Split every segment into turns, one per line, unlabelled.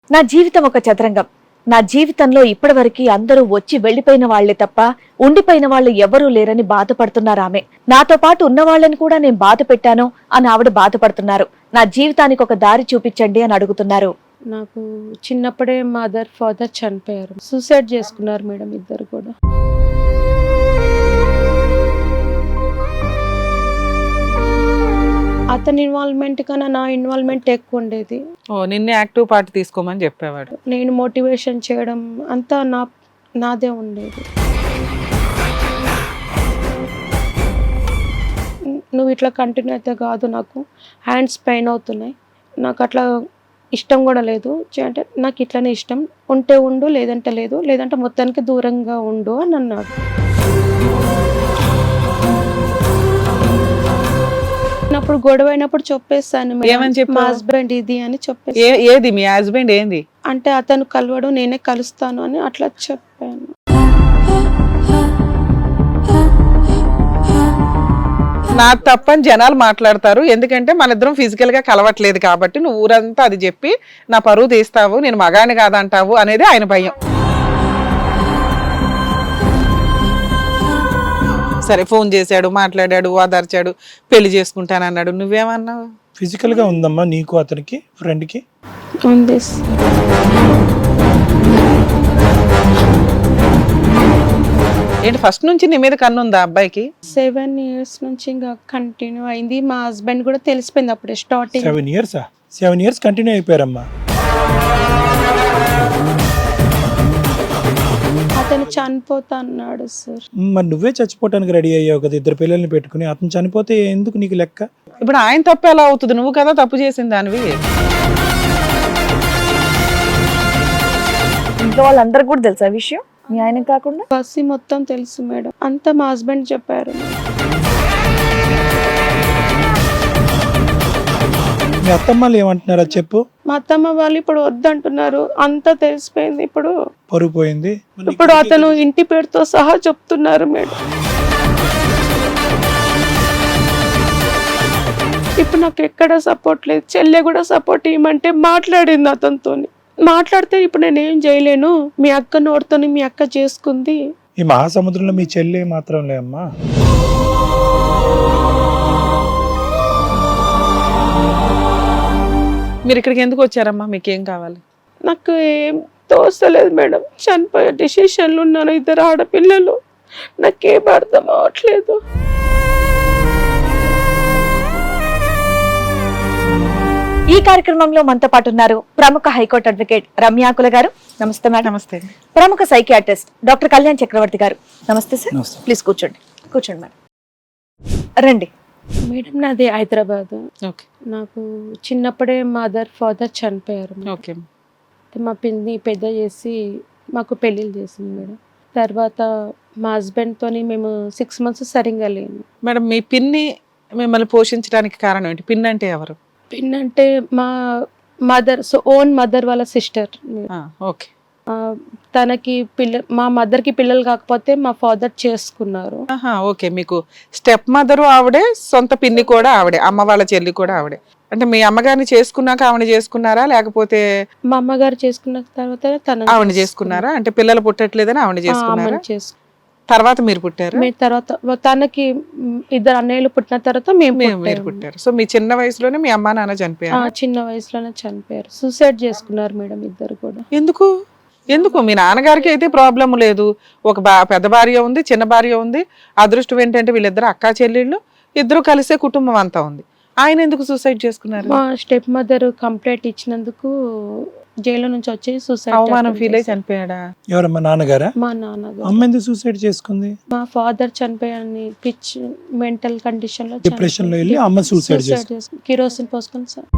నా జీవితం ఒక చదరంగం. నా జీవితంలో ఇప్పటివరకు అందరూ వచ్చి వెళ్లిపోయిన వాళ్లే తప్ప ఉండిపోయిన వాళ్ళు ఎవరూ లేరని బాధపడుతున్నారు ఆమె. నాతో పాటు ఉన్న వాళ్ళని కూడా నేను బాధ పెట్టాను అని ఆవిడ బాధపడుతున్నారు. నా జీవితానికి ఒక దారి చూపించండి అని అడుగుతున్నారు.
నాకు చిన్నప్పుడే మదర్ ఫాదర్ చనిపోయారు. సూసైడ్ చేసుకున్నారు మేడం, ఇద్దరు కూడా. అతని ఇన్వాల్వ్మెంట్ కన్నా నా ఇన్వాల్వ్మెంట్ ఎక్కువ ఉండేది.
నిన్నే యాక్టివ్ పార్ట్ తీసుకోమని చెప్పేవాడు.
నేను మోటివేషన్ చేయడం అంతా నాదే ఉండేది. నువ్వు ఇట్లా కంటిన్యూ అయితే కాదు, నాకు హ్యాండ్స్ పెయిన్ అవుతున్నాయి, నాకు అట్లా ఇష్టం కూడా లేదు అంటే నాకు ఇట్లనే ఇష్టం, ఉంటే ఉండు లేదంటే లేదు, లేదంటే మొత్తానికి దూరంగా ఉండు అని అన్నాడు. అప్పుడు గొడవ అయినప్పుడు చెప్పేస్తాను, మా హస్బెండ్ ఇది అని చెప్పేసి.
ఏది మీ హస్బెండ్ ఏంది
అంటే అతను కలవడు, నేనే కలుస్తాను అని అట్లా చెప్పాను.
నా తప్పని జనాలు మాట్లాడతారు, ఎందుకంటే మన ఇద్దరం ఫిజికల్ గా కలవట్లేదు కాబట్టి నువ్వు ఊరంతా అది చెప్పి నా పరువు తీస్తావు, నేను మగాని కాదంటావు అనేది ఆయన భయం. సరే, ఫోన్ చేశాడు, మాట్లాడాడు, ఓదార్చాడు, పెళ్లి చేసుకుంటానన్నాడు, నువ్వేమన్నావు?
ఫిజికల్ గా ఉందమ్మా నీకు అతనికి ఫ్రెండ్ కి?
ఉంది.
ఏంటి ఫస్ట్ నుంచి నీ మీద కన్ను ఉందా అబ్బాయికి?
7 years నుంచి ఇంకా కంటిన్యూ అయింది. మా హస్బెండ్ కూడా తెలిసిపోయింది అప్పుడే స్టార్టింగ్.
7 years continue అయిపోయారమ్మా.
అతను చనిపోతా అన్నాడు సార్.
మరి నువ్వే చచ్చిపోవటానికి రెడీ అయ్యావు కదా ఇద్దరు పిల్లల్ని పెట్టుకుని, అతను చనిపోతే ఎందుకు నీకు లెక్క?
ఇప్పుడు ఆయన తప్పు ఎలా అవుతుంది? నువ్వు కదా తప్పు చేసింది దానివి.
ఇంట్లో వాళ్ళందరికీ కూడా తెలుసా విషయం, మీ ఆయన కాకుండా?
బస్సు మొత్తం తెలుసు మేడం, అంతా మా హస్బెండ్ చెప్పారు.
మీ అత్తమ్మలు ఏమంటున్నారా చెప్పు?
మా అత్తమ్మ వాళ్ళు ఇప్పుడు వద్దంటున్నారు, అంతా తెలిసిపోయింది. ఇప్పుడు
పరుగు పోయింది.
ఇప్పుడు అతను ఇంటి పేరుతో సహా చెప్తున్నారు మేడం. ఇప్పుడు నాకు ఎక్కడ సపోర్ట్ లేదు. చెల్లె కూడా సపోర్ట్ ఇవ్వమంటే మాట్లాడింది అతనితో. మాట్లాడితే ఇప్పుడు నేను ఏం చేయలేను, మీ అక్క నోడుతోని మీ అక్క చేసుకుంది.
ఈ మహాసముద్రంలో మీ చెల్లి మాత్రం లేమ్మా.
మీరు ఇక్కడికి ఎందుకు వచ్చారమ్మా? మీకేం కావాలి?
నాకు ఏం తోస్తలేదు మేడం, చనిపోయే డిసిషన్లు ఉన్నాను, ఇద్దరు ఆడపిల్లలు, నాకేం అర్థం అవట్లేదు.
ఈ కార్యక్రమంలో మనతో పాటు ఉన్నారు ప్రముఖ హైకోర్టు అడ్వకేట్ రమ్యాకుల గారు. నమస్తే మేడం.
నమస్తే.
ప్రముఖ సైకియాట్రిస్ట్ డాక్టర్ కళ్యాణ్ చక్రవర్తి గారు. నమస్తే సార్. ప్లీజ్ కూర్చోండి. కూర్చోండి మేడం. రండి
మేడం, నాది హైదరాబాద్.
ఓకే.
నాకు చిన్నప్పుడే మదర్ ఫాదర్ చనిపోయారు.
ఓకే.
మా పిన్ని పెద్ద చేసి మాకు పెళ్ళిళ్ళు చేసింది మేడం. తర్వాత మా హస్బెండ్తో మేము 6 months సరిగ్గా లేను
మేడం. మీ పిన్ని మిమ్మల్ని పోషించడానికి కారణం ఏంటి? పిన్ అంటే ఎవరు?
పిన్ అంటే మా మదర్, ఓన్ మదర్ వాళ్ళ సిస్టర్.
ఓకే.
తనకి మా మదర్కి పిల్లలు కాకపోతే మా ఫాదర్ చేసుకున్నారు.
ఓకే. మీకు స్టెప్ మదరు ఆవిడే, సొంత పిన్ని కూడా ఆవిడే, అమ్మ వాళ్ళ చెల్లి కూడా ఆవిడే. అంటే మీ అమ్మగారిని చేసుకున్నాక ఆవిడ చేసుకున్నారా, లేకపోతే
మా అమ్మగారు చేసుకున్న తర్వాత
ఆవిడ చేసుకున్నారా? అంటే పిల్లలు పుట్టట్లేదని ఆవిడ చేసుకున్నారా? తర్వాత మీరు పుట్టారు?
తర్వాత తనకి 2 అన్నయ్యలు పుట్టిన తర్వాత
మీరు పుట్టారు. సో మీ చిన్న వయసులోనే మీ అమ్మా నాన్న చనిపోయారు?
చిన్న వయసులోనే చనిపోయారు. సూసైడ్ చేసుకున్నారు మేడం ఇద్దరు కూడా.
ఎందుకు? మీ నాన్నగారికి అయితే ప్రాబ్లం లేదు, ఒక పెద్ద భార్య ఉంది, చిన్న భార్య ఉంది. అదృష్టం ఏంటంటే వీళ్ళిద్దరు అక్కా చెల్లెళ్ళు, ఇద్దరు కలిసే కుటుంబం అంతా ఉంది. ఆయన ఎందుకు సూసైడ్ చేసుకున్నారు?
మా స్టెప్ మదర్ కంప్లైంట్ ఇచ్చినందుకు జైలు నుంచి వచ్చి సూసైడ్
అవమానం ఫీల్ అయి చనిపోయాడా?
ఎవరమ్మా? నాన్నగారా?
మా నాన్నగారు.
అమ్మ ఎందుకు సూసైడ్ చేసుకుంది?
మా ఫాదర్ చనిపోయాని పిచ్ మెంటల్ కండిషన్ లో
డిప్రెషన్ లో వెళ్ళి అమ్మ సూసైడ్ చేసుకుంది.
కిరోసిన్ పోసుకొని సార్.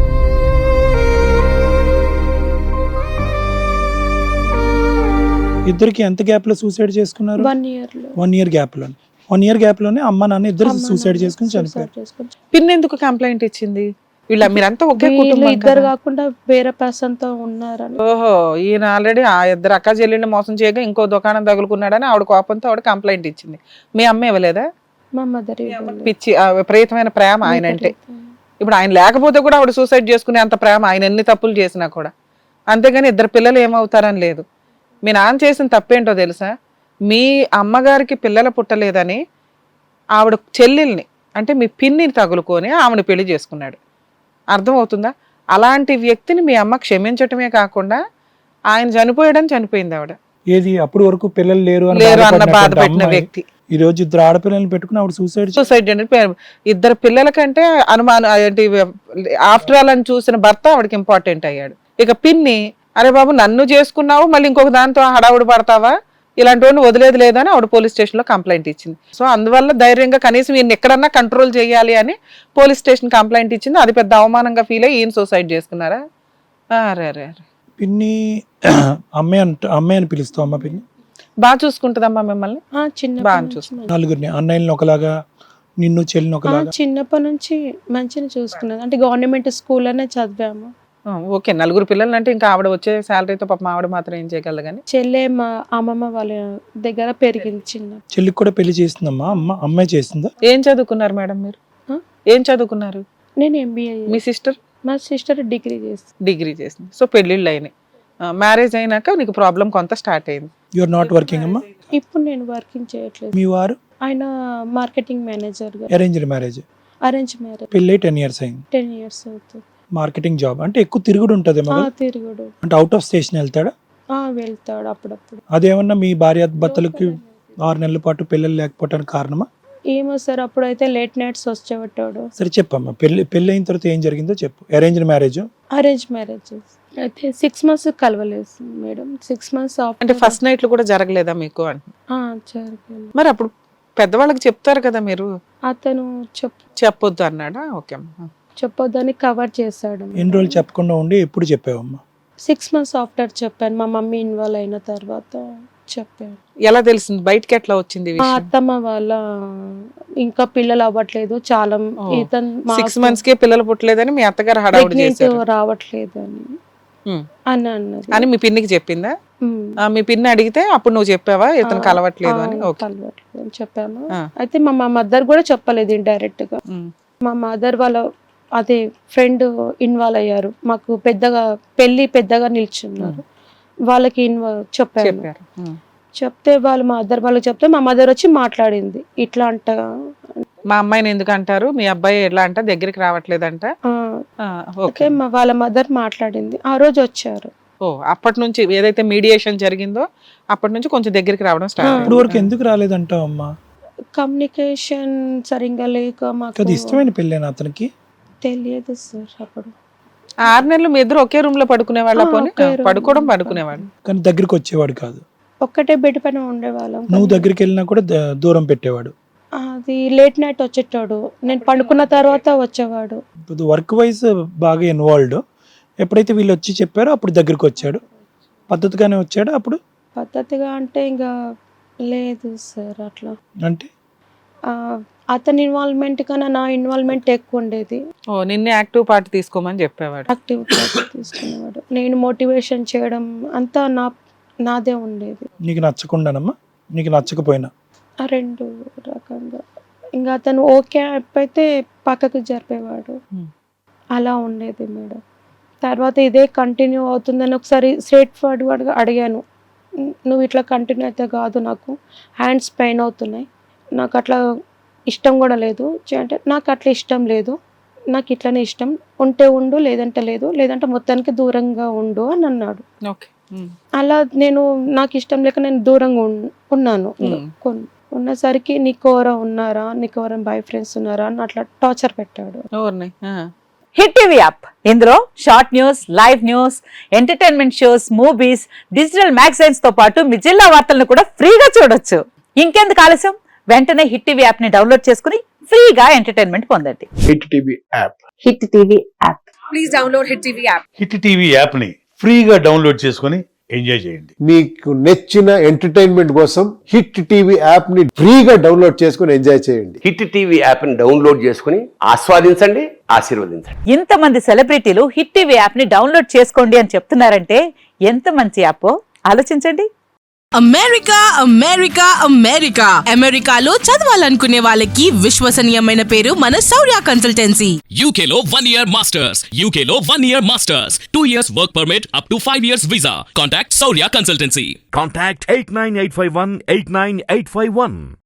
ఇద్దరికి ఎంత గ్యాప్ లో సూసైడ్ చేసుకున్నారు?
1 year లో.
1 year గ్యాప్ లో. 1 year గ్యాప్ లోనే అమ్మ నాన్న ఇద్దరు సూసైడ్ చేసుకుని చనిపోయారు.
పిన్ ఎందుకు కంప్లైంట్ ఇచ్చింది? మీరంతా ఒకే కుటుంబం.
ఇద్దరు కాకుండా వేరే పర్సన్ తో ఉన్నారని.
ఓహో, ఈయన ఆల్రెడీ ఆ ఇద్దరు అక్క చెల్లెళ్ళని మోసం చేయగా ఇంకో దుకాణం తగులుకున్నాడని ఆవిడ కోపంతో ఆవిడ కంప్లైంట్ ఇచ్చింది. మీ అమ్మ ఇవ్వలేదా?
మా మదర్
పిచ్చి విపరీతమైన ప్రేమ ఆయన అంటే. ఇప్పుడు ఆయన లేకపోతే కూడా ఆవిడ సూసైడ్ చేసుకునే అంత ప్రేమ, ఆయన ఎన్ని తప్పులు చేసినా కూడా. అంతేగాని ఇద్దరు పిల్లలు ఏమవుతారని లేదు. మీ నాన్న చేసిన తప్పేంటో తెలుసా? మీ అమ్మగారికి పిల్లలు పుట్టలేదని ఆవిడ చెల్లెల్ని అంటే మీ పిన్నిని తగులుకొని ఆవిడ పెళ్లి చేసుకున్నాడు. అర్థమవుతుందా? అలాంటి వ్యక్తిని మీ అమ్మ క్షమించటమే కాకుండా ఆయన చనిపోయాడని చనిపోయింది ఆవిడ.
ఏది అప్పుడు వరకు పిల్లలు లేరు అని
లేరు అన్న బాధ
బాధపడినటువంటి
పెట్టిన
అమ్మాయి
వ్యక్తి
ఈ రోజు ఇద్దరు ఆడపిల్లల్ని పెట్టుకుని ఆవిడ సూసైడ్
సూసైడ్ అంటే ఇద్దరు పిల్లల కంటే అనుమానం ఏంటి ఆఫ్టర్ ఆల్ అని చూసిన భర్త ఆవిడకి ఇంపార్టెంట్ అయ్యాడు. ఇక పిన్ని, అరే బాబు నన్ను చేసుకున్నావు మళ్ళీ ఇంకొక దాంతో హడావుడి పడతావా, ఇలాంటి వాడిని వదిలేదు లేదని ఆవిడ పోలీస్ స్టేషన్ లో కంప్లైంట్ ఇచ్చింది. సో అందువల్ల ధైర్యంగా కనీసం ఈయన ఎక్కడన్నా కంట్రోల్ చేయాలి అని పోలీస్ స్టేషన్ కంప్లైంట్ ఇచ్చింది. అది పెద్ద అవమానంగా ఫీల్ అయ్యి ఈయన సూసైడ్ చేసుకున్నారా? అరే అరే అరే.
పిన్ని అమ్మాయి అని పిలుస్తావు అమ్మ పిన్ని?
బాగా చూసుకుంటుందమ్మా మిమ్మల్ని,
చిన్న
బాగా చూసుకుంటుంది.
నలుగురిని అన్నయ్యని ఒకలాగా నిన్ను చెల్లిని ఒకలాగా
చిన్నప్పటి నుంచి మంచిగా చూసుకున్నది. అంటే గవర్నమెంట్ స్కూల్ అనే చదివాము.
ఓకే, నలుగురు పిల్లలు అంటే ఇంకా ఆవిడ వచ్చే శాలరీతో పాపం ఆవిడ మాత్రం ఏం చేయగలదు కానీ.
చెల్లె మా అమ్మమ్మ వాళ్ళ దగ్గర పెరిగింది చిన్న.
చెల్లికి కూడా పెళ్లి చేసిందమ్మా అమ్మాయి చేసిందా?
ఏం చదువుకున్నారు మేడం మీరు? ఏం చదువుకున్నారు?
నేను ఎంబీఏ.
మీ సిస్టర్?
మా సిస్టర్ డిగ్రీ
చేసింది. సో పెళ్ళిళ్ళు అయినాయి. మ్యారేజ్ అయినాక నీకు ప్రాబ్లం కొంత స్టార్ట్ అయింది.
యు ఆర్ నాట్ వర్కింగ్ అమ్మా?
ఇప్పుడు నేను వర్కింగ్ చేయట్లేదు.
మీ వారు?
ఆయన మార్కెటింగ్ మేనేజర్ గా.
Arranged marriage?
Arrange marriage.
పెళ్ళి 10 years అయింది.
10 years అవుతుంది.
మార్కెటింగ్ జాబ్ అంటే ఎక్కువ తిరుగుడు ఉంటుంది.
తిరుగుడు
అంటే అవుట్ ఆఫ్ స్టేషన్ వెళ్తాడా?
వెళ్తాడు అప్పుడప్పుడు.
అదేమన్నా మీ భార్య భర్తలకి 6 నెలల పాటు పిల్లలు లేకపోవడానికి కారణమా?
ఏమో సార్, అప్పుడైతే లేట్ నైట్స్ వచ్చేవాడు.
సరే చెప్పమ్మా, పెళ్లి అయిన తర్వాత ఏం జరిగిందో చెప్పు. Arranged marriage?
అరేంజ్ మ్యారేజ్ అయితే 6 months కలవలేదు మేడం. 6 months
అంటే ఫస్ట్ నైట్లు కూడా జరగలేదా మీకు?
జరగలేదు.
మరి అప్పుడు పెద్దవాళ్ళకి చెప్తారు కదా మీరు.
అతను
చెప్పొద్దు అన్నాడా? ఓకే,
చెప్పొద్దని కవర్ చేశాడు.
ఎన్ని రోజులు చెప్పకుండా ఉండి ఎప్పుడు చెప్పావమ్మా?
6 months ఆఫ్టర్ చెప్పాను. మా మమ్మీ ఇన్వాల్వ్ అయిన తర్వాత చెప్పాను.
ఎలా తెలిసింది? బయటకి ఎట్లా వచ్చింది?
మా అత్తమ్మ వాళ్ళ ఇంకా పిల్లలు అవ్వట్లేదు చాలా.
6 months కే పిల్లలు పుట్టలేదని మీ అత్తగారు హడావుడి చేశారు.
రావట్లేదు అని అన్నది
అని మీ పిన్నికి చెప్పిందా? మీ పిన్ని అడిగితే అప్పుడు నువ్వు చెప్పావా ఇతను కలవట్లేదు అని?
కలవట్లేదు అని చెప్పాము. అయితే మా మదర్ కూడా చెప్పలేదు ఇండైరెక్ట్ గా. మా మదర్ వాళ్ళ అదే ఫ్రెండ్ ఇన్వాల్వ్ అయ్యారు. మాకు పెద్దగా నిల్చున్నారు. వాళ్ళకి చెప్పారు. చెప్తే మా వాళ్ళకి చెప్తే మా మదర్ వచ్చి మాట్లాడింది. ఇట్లా అంట
మా అమ్మాయిని ఎందుకు అంటారు, మీ అబ్బాయి ఎట్లా అంట దగ్గరికి రావట్లేదంట.
ఓకే, వాళ్ళ మదర్ మాట్లాడింది. ఆ రోజు వచ్చారు.
అప్పటి నుంచి ఏదైతే మీడియేషన్ జరిగిందో అప్పటి నుంచి కొంచెం దగ్గరికి రావడం స్టార్ట్.
ఇప్పుడు వరకు ఎందుకు రాలేదంటావు అమ్మా?
కమ్యూనికేషన్ సరిగ్గా లేక మాకు.
ఇష్టమైన పెళ్ళేనా అతనికి?
తెలియదు సార్. అప్పుడు
6 నెలలు మీ ఇద్దరు ఒకే రూమ్ లో పడుకునేవాళ్ళ? పడుకునేవాళ్ళు
కానీ దగ్గరికి వచ్చేవాడు కాదు.
ఒక్కటే బెడ్ పైన ఉండేవాళ్ళం.
నువ్వు దగ్గరికి వెళ్ళినా కూడా దూరం పెట్టేవాడు.
అది లేట్ నైట్ వచ్చేటాడు. నేను పండుకున్న తర్వాత వచ్చేవాడు.
వర్క్ వైజ్ బాగా ఇన్వాల్వ్డ్. ఎప్పుడైతే వీళ్ళు వచ్చి చెప్పారో అప్పుడు దగ్గరికి వచ్చాడు. పద్ధతిగానే వచ్చాడు. అప్పుడు
పద్ధతిగా అంటే ఇంకా లేదు సార్. అట్లా
అంటే
అతని ఇన్వాల్వ్మెంట్ కన్నా నా ఇన్వాల్వ్మెంట్ ఎక్కువ ఉండేది.
నిన్నే యాక్టివ్ పార్ట్ తీసుకోమని చెప్పేవాడు.
యాక్టివ్ పార్ట్ తీసుకునేవాడు. నేను మోటివేషన్ చేయడం అంతా నాదే ఉండేది.
నీకు నచ్చకుండానమ్మా? నీకు నచ్చకపోయినా?
2 రకంగా. ఇంకా అతను ఓకే అయితే పక్కకు జరిపేవాడు. అలా ఉండేది మేడం. తర్వాత ఇదే కంటిన్యూ అవుతుందని ఒకసారి స్ట్రేట్ ఫార్వర్డ్గా అడిగాను. నువ్వు ఇట్లా కంటిన్యూ అయితే కాదు, నాకు హ్యాండ్స్ పెయిన్ అవుతున్నాయి, నాకు అట్లా ఇష్టం కూడా లేదు అంటే నాకు అట్లా ఇష్టం లేదు, నాకు ఇట్లనే ఇష్టం, ఉంటే ఉండు లేదంటే లేదు, లేదంటే మొత్తానికి దూరంగా ఉండు అని అన్నాడు. అలా నాకు ఇష్టం లేక నేను దూరంగా ఉన్నాను. ఉన్నసరికి నీకు ఎవరైనా ఉన్నారా, నీకు ఎవరైనా బాయ్ ఫ్రెండ్స్ ఉన్నారా అని అట్లా టార్చర్ పెట్టాడు.
హిట్ టీవీ యాప్, ఇందులో short news, live news, entertainment shows, movies, digital magazines తో పాటు మీ జిల్లా వార్తలను కూడా ఫ్రీగా చూడొచ్చు. ఇంకెందుకు ఆలస్యం, వెంటనే హిట్ టీవీ యాప్ ని డౌన్లోడ్ చేసుకుని ఫ్రీగా ఎంటర్టైన్మెంట్ పొందండి.
Hit TV app.
Hit TV app.
Please download Hit TV app.
Hit TV app ని ఫ్రీగా డౌన్లోడ్ చేసుకుని ఎంజాయ్ చేయండి.
మీకు నచ్చిన ఎంటర్టైన్మెంట్ కోసం హిట్ టీవీ యాప్ ని ఫ్రీగా డౌన్లోడ్ చేసుకుని ఎంజాయ్ చేయండి.
హిట్ టీవీ యాప్ ని డౌన్లోడ్ చేసుకుని ఆస్వాదించండి, ఆశీర్వదించండి.
ఇంతమంది సెలబ్రిటీలు హిట్ టీవీ యాప్ ని డౌన్లోడ్ చేసుకోండి అని చెప్తున్నారంటే ఎంత మంచి యాప్ ఆలోచించండి.
అమెరికా అమెరికా అమెరికా అమెరికాలో చదవాలనుకునే వాళ్ళకి విశ్వసనీయమైన పేరు మన శౌర్య కన్సల్టెన్సీ.
UK లో 1 year masters. UK లో 1 year masters. 2 years work permit up to 5 years visa. Contact Saurya Consultancy.
Contact 89851 89851.